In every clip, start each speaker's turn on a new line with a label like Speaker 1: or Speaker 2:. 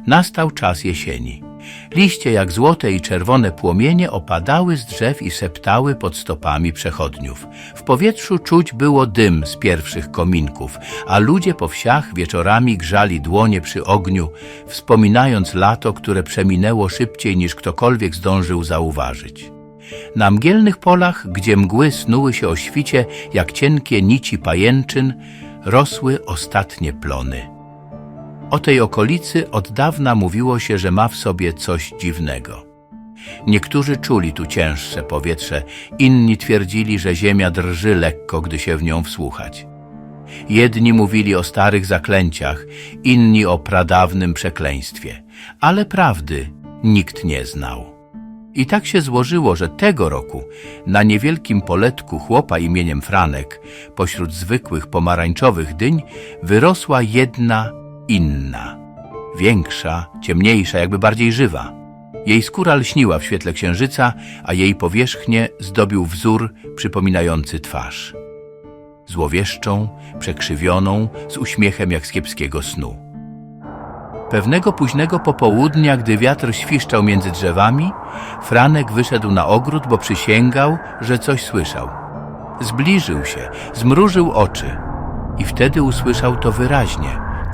Speaker 1: Nastał czas jesieni. Liście jak złote i czerwone płomienie opadały z drzew i septały pod stopami przechodniów. W powietrzu czuć było dym z pierwszych kominków, a ludzie po wsiach wieczorami grzali dłonie przy ogniu, wspominając lato, które przeminęło szybciej niż ktokolwiek zdążył zauważyć. Na mgielnych polach, gdzie mgły snuły się o świcie jak cienkie nici pajęczyn, rosły ostatnie plony. O tej okolicy od dawna mówiło się, że ma w sobie coś dziwnego. Niektórzy czuli tu cięższe powietrze, inni twierdzili, że ziemia drży lekko, gdy się w nią wsłuchać. Jedni mówili o starych zaklęciach, inni o pradawnym przekleństwie, ale prawdy nikt nie znał. I tak się złożyło, że tego roku na niewielkim poletku chłopa imieniem Franek, pośród zwykłych pomarańczowych dyń, wyrosła jedna inna, większa, ciemniejsza, jakby bardziej żywa. Jej skóra lśniła w świetle księżyca, a jej powierzchnię zdobił wzór przypominający twarz. Złowieszczą, przekrzywioną, z uśmiechem jak z kiepskiego snu. Pewnego późnego popołudnia, gdy wiatr świszczał między drzewami, Franek wyszedł na ogród, bo przysięgał, że coś słyszał. Zbliżył się, zmrużył oczy i wtedy usłyszał to wyraźnie.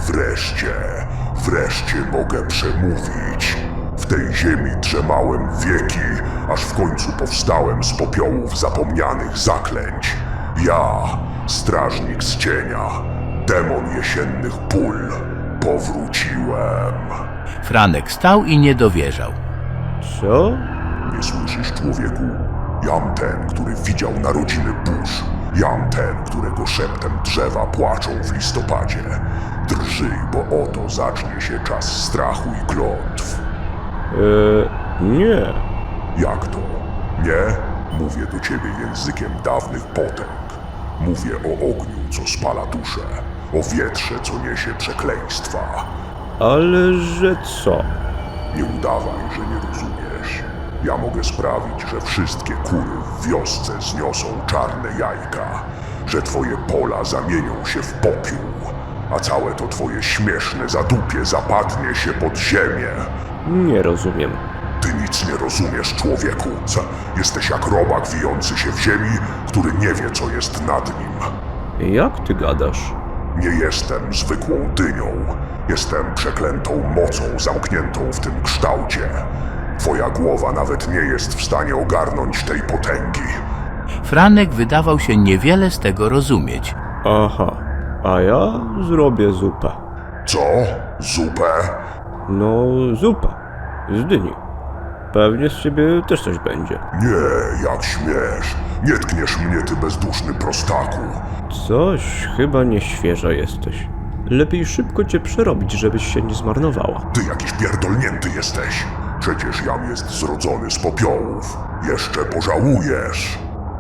Speaker 2: Wreszcie mogę przemówić. W tej ziemi drzemałem wieki, aż w końcu powstałem z popiołów zapomnianych zaklęć. Ja, strażnik z cienia, demon jesiennych pól, powróciłem.
Speaker 1: Franek stał i nie dowierzał.
Speaker 3: Co?
Speaker 2: Nie słyszysz, człowieku? Jam ten, który widział narodziny burz. Jam ten, którego szeptem drzewa płaczą w listopadzie. Drżyj, bo oto zacznie się czas strachu i klątw.
Speaker 3: Nie.
Speaker 2: Jak to? Nie? Mówię do ciebie językiem dawnych potęg. Mówię o ogniu, co spala duszę. O wietrze, co niesie przekleństwa.
Speaker 3: Ale że co?
Speaker 2: Nie udawaj, że nie rozumiesz. Ja mogę sprawić, że wszystkie kury w wiosce zniosą czarne jajka, że twoje pola zamienią się w popiół, a całe to twoje śmieszne zadupie zapadnie się pod ziemię.
Speaker 3: Nie rozumiem.
Speaker 2: Ty nic nie rozumiesz, człowieku. Jesteś jak robak wijący się w ziemi, który nie wie, co jest nad nim.
Speaker 3: Jak ty gadasz?
Speaker 2: Nie jestem zwykłą dynią. Jestem przeklętą mocą zamkniętą w tym kształcie. Twoja głowa nawet nie jest w stanie ogarnąć tej potęgi.
Speaker 1: Franek wydawał się niewiele z tego rozumieć.
Speaker 3: Aha, a ja zrobię zupę.
Speaker 2: Co? Zupę?
Speaker 3: No, zupę. Z dyni. Pewnie z ciebie też coś będzie.
Speaker 2: Nie, jak śmiesz. Nie tkniesz mnie, ty bezduszny prostaku.
Speaker 3: Coś chyba nieświeża jesteś. Lepiej szybko cię przerobić, żebyś się nie zmarnowała.
Speaker 2: Ty jakiś pierdolnięty jesteś. Przecież jam jest zrodzony z popiołów. Jeszcze pożałujesz.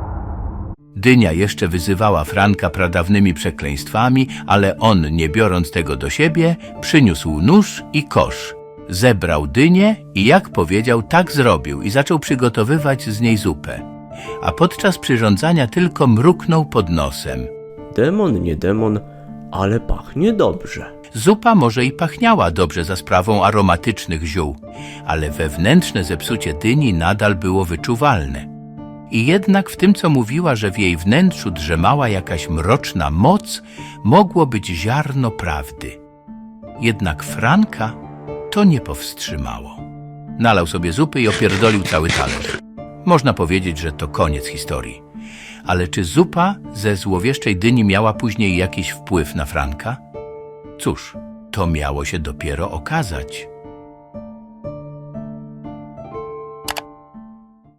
Speaker 1: Dynia jeszcze wyzywała Franka pradawnymi przekleństwami, ale on, nie biorąc tego do siebie, przyniósł nóż i kosz. Zebrał dynię i jak powiedział, tak zrobił i zaczął przygotowywać z niej zupę. A podczas przyrządzania tylko mruknął pod nosem.
Speaker 3: Demon, nie demon, ale pachnie dobrze.
Speaker 1: Zupa może i pachniała dobrze za sprawą aromatycznych ziół, ale wewnętrzne zepsucie dyni nadal było wyczuwalne. I jednak w tym, co mówiła, że w jej wnętrzu drzemała jakaś mroczna moc, mogło być ziarno prawdy. Jednak Franka to nie powstrzymało. Nalał sobie zupy i opierdolił cały talerz. Można powiedzieć, że to koniec historii. Ale czy zupa ze złowieszczej dyni miała później jakiś wpływ na Franka? Cóż, to miało się dopiero okazać.